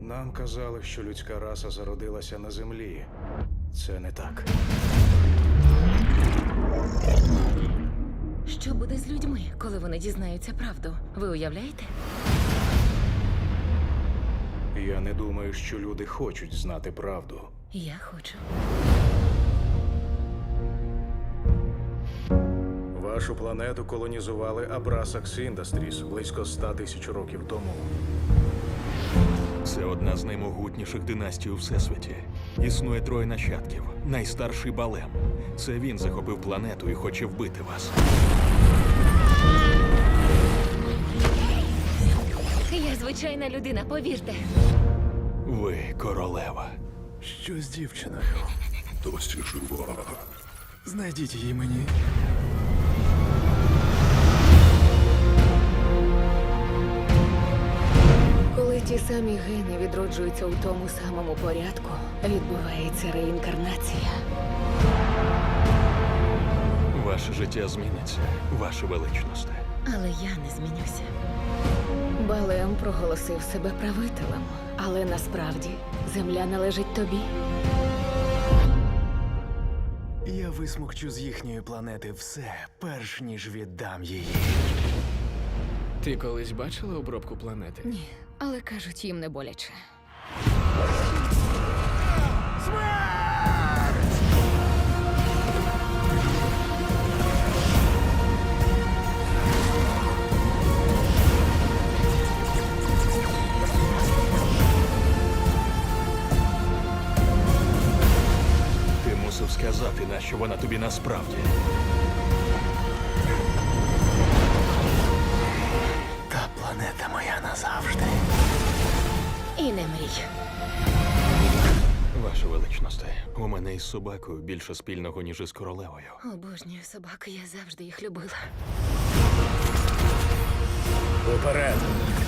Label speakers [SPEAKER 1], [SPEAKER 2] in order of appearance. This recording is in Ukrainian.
[SPEAKER 1] Нам казали, що людська раса зародилася на землі. Це не так.
[SPEAKER 2] Що буде з людьми, коли вони дізнаються правду? Ви уявляєте?
[SPEAKER 1] Я не думаю, що люди хочуть знати правду.
[SPEAKER 2] Я хочу.
[SPEAKER 1] Вашу планету колонізували Abrasax Industries близько 100 тисяч років тому.
[SPEAKER 3] Це одна з наймогутніших династій у всесвіті. Існує троє нащадків. Найстарший Балем. Це він захопив планету і хоче вбити вас.
[SPEAKER 2] Я звичайна людина, повірте.
[SPEAKER 3] Ви королева.
[SPEAKER 4] Що з дівчиною?
[SPEAKER 5] Досі жива.
[SPEAKER 4] Знайдіть її мені.
[SPEAKER 6] Коли ті самі гени відроджуються у тому самому порядку, відбувається реінкарнація.
[SPEAKER 3] Ваше життя зміниться, ваше величність.
[SPEAKER 2] Але я не змінюся.
[SPEAKER 6] Балем проголосив себе правителем, але насправді земля належить тобі.
[SPEAKER 4] Я висмокчу з їхньої планети все, перш ніж віддам її.
[SPEAKER 7] Ти колись бачила обробку планети?
[SPEAKER 6] Ні, але кажуть, їм не боляче.
[SPEAKER 3] Ти мусив сказати, нащо вона тобі насправді.
[SPEAKER 4] Та планета моя назавжди.
[SPEAKER 6] І не мрій.
[SPEAKER 3] Ваше величність, у мене із собакою більше спільного, ніж із королевою.
[SPEAKER 2] Обожнюю собак, я завжди їх любила.
[SPEAKER 1] Уперед!